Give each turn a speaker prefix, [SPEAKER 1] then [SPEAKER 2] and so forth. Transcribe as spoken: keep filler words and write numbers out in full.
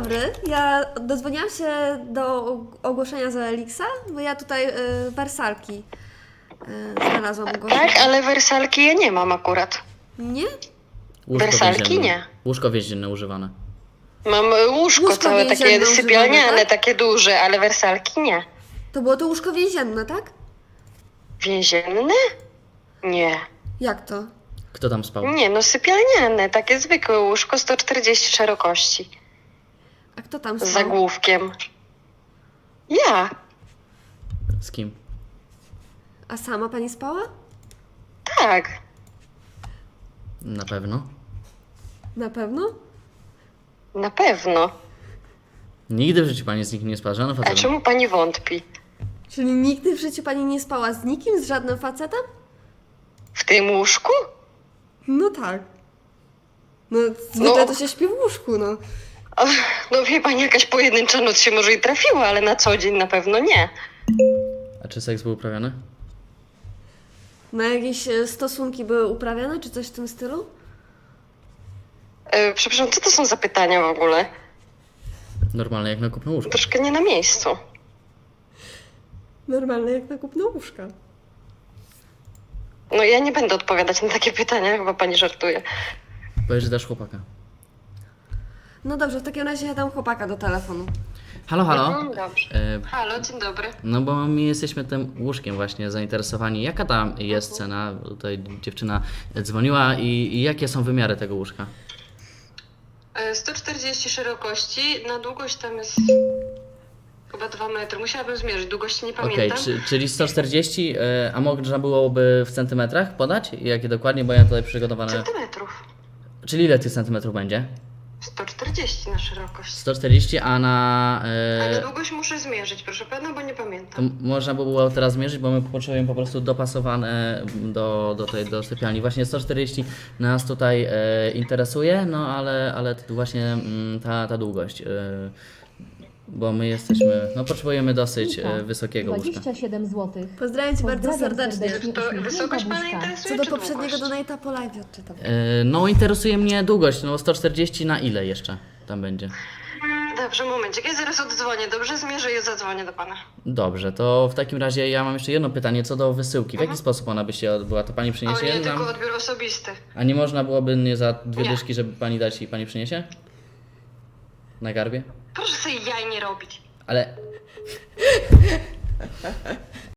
[SPEAKER 1] dobry. Ja dodzwoniłam się do ogłoszenia z Elixa, bo ja tutaj y, wersalki y, znalazłam ogłoszenie.
[SPEAKER 2] Tak, ale wersalki ja nie mam akurat.
[SPEAKER 1] Nie?
[SPEAKER 3] Łóżko
[SPEAKER 2] Wersalki
[SPEAKER 3] więzienne.
[SPEAKER 2] nie.
[SPEAKER 3] Łóżko więzienne używane.
[SPEAKER 2] Mam łóżko,
[SPEAKER 1] Łóżko
[SPEAKER 2] całe takie
[SPEAKER 1] więzienne
[SPEAKER 2] sypialniane,
[SPEAKER 1] używane, tak?
[SPEAKER 2] takie duże, ale wersalki nie.
[SPEAKER 1] To było to łóżko więzienne, tak?
[SPEAKER 2] Więzienne? Nie.
[SPEAKER 1] Jak to?
[SPEAKER 3] Kto tam spał?
[SPEAKER 2] Nie, no sypialniane, takie zwykłe łóżko, sto czterdzieści szerokości.
[SPEAKER 1] A kto tam
[SPEAKER 2] Z
[SPEAKER 1] spał?
[SPEAKER 2] zagłówkiem. Ja.
[SPEAKER 3] Z kim?
[SPEAKER 1] A sama pani spała?
[SPEAKER 2] Tak.
[SPEAKER 3] Na pewno.
[SPEAKER 1] Na pewno?
[SPEAKER 2] Na pewno.
[SPEAKER 3] Nigdy w życiu pani z nikim nie spała, żadną
[SPEAKER 2] A
[SPEAKER 3] facetem.
[SPEAKER 2] czemu pani wątpi?
[SPEAKER 1] Czyli nigdy w życiu pani nie spała z nikim, z żadnym facetem?
[SPEAKER 2] W tym łóżku?
[SPEAKER 1] No tak. No zwykle
[SPEAKER 2] No.
[SPEAKER 1] to się śpi w łóżku, no.
[SPEAKER 2] O, no wie pani, jakaś pojedyncza noc się może i trafiła, ale na co dzień na pewno nie.
[SPEAKER 3] A czy seks był uprawiany?
[SPEAKER 1] Na jakieś e, stosunki były uprawiane, czy coś w tym stylu?
[SPEAKER 2] E, przepraszam, co to są za pytania w ogóle?
[SPEAKER 3] Normalne jak na kupno łóżko.
[SPEAKER 2] Troszkę nie na miejscu.
[SPEAKER 1] Normalne jak na kupno łóżka.
[SPEAKER 2] No ja nie będę odpowiadać na takie pytania, chyba pani żartuje.
[SPEAKER 3] Powiedz, że dasz chłopaka.
[SPEAKER 1] No dobrze, w takim razie ja dam chłopaka do telefonu.
[SPEAKER 3] Halo, halo.
[SPEAKER 2] Mhm, dobrze.
[SPEAKER 3] E,
[SPEAKER 2] Halo, dzień dobry.
[SPEAKER 3] no bo my jesteśmy tym łóżkiem właśnie zainteresowani. Jaka tam jest cena? Tutaj dziewczyna dzwoniła i, i jakie są wymiary tego łóżka?
[SPEAKER 2] E, sto czterdzieści szerokości, na długość tam jest chyba dwa metry. Musiałabym zmierzyć, długości nie
[SPEAKER 3] Okej,
[SPEAKER 2] pamiętam.
[SPEAKER 3] czy, czyli sto czterdzieści, e, a można byłoby w centymetrach podać? Jakie dokładnie, bo ja tutaj przygotowane...
[SPEAKER 2] Centymetrów.
[SPEAKER 3] Czyli ile tych centymetrów będzie?
[SPEAKER 2] sto czterdzieści na szerokość.
[SPEAKER 3] sto czterdzieści, a na...
[SPEAKER 2] Ale
[SPEAKER 3] E,
[SPEAKER 2] długość muszę zmierzyć, proszę pana, bo nie
[SPEAKER 3] to
[SPEAKER 2] pamiętam.
[SPEAKER 3] m- można by było teraz zmierzyć, bo my potrzebujemy po prostu dopasowane do, do tej do sypialni. Właśnie sto czterdzieści nas tutaj e, interesuje, no ale, ale t- właśnie mm, ta, ta długość. E, bo my jesteśmy, no potrzebujemy dosyć e, wysokiego łóżka.
[SPEAKER 4] dwadzieścia siedem złotych.
[SPEAKER 1] Pozdrawiam cię bardzo
[SPEAKER 4] Pozdrawiam
[SPEAKER 1] serdecznie.
[SPEAKER 4] serdecznie.
[SPEAKER 2] To
[SPEAKER 4] uśmiechnięta
[SPEAKER 2] wysokość pana
[SPEAKER 4] buźka.
[SPEAKER 2] interesuje,
[SPEAKER 1] Co do
[SPEAKER 2] czy
[SPEAKER 1] poprzedniego
[SPEAKER 2] długość?
[SPEAKER 1] donate'a po live odczytam.
[SPEAKER 3] E, no interesuje mnie długość, no sto czterdzieści na ile jeszcze tam będzie?
[SPEAKER 2] Dobrze, momencik, ja zaraz odzwonię, dobrze? Zmierzę i zadzwonię do pana.
[SPEAKER 3] Dobrze, to w takim razie ja mam jeszcze jedno pytanie co do wysyłki. W jaki sposób ona by się odbyła? To pani
[SPEAKER 2] O
[SPEAKER 3] przyniesie
[SPEAKER 2] nie,
[SPEAKER 3] nam?
[SPEAKER 2] tylko odbiór osobisty.
[SPEAKER 3] A nie można byłoby nie za dwie
[SPEAKER 2] Nie.
[SPEAKER 3] dyszki, żeby pani dać i pani przyniesie? Na garbie?
[SPEAKER 2] Proszę sobie jaj nie robić.
[SPEAKER 3] Ale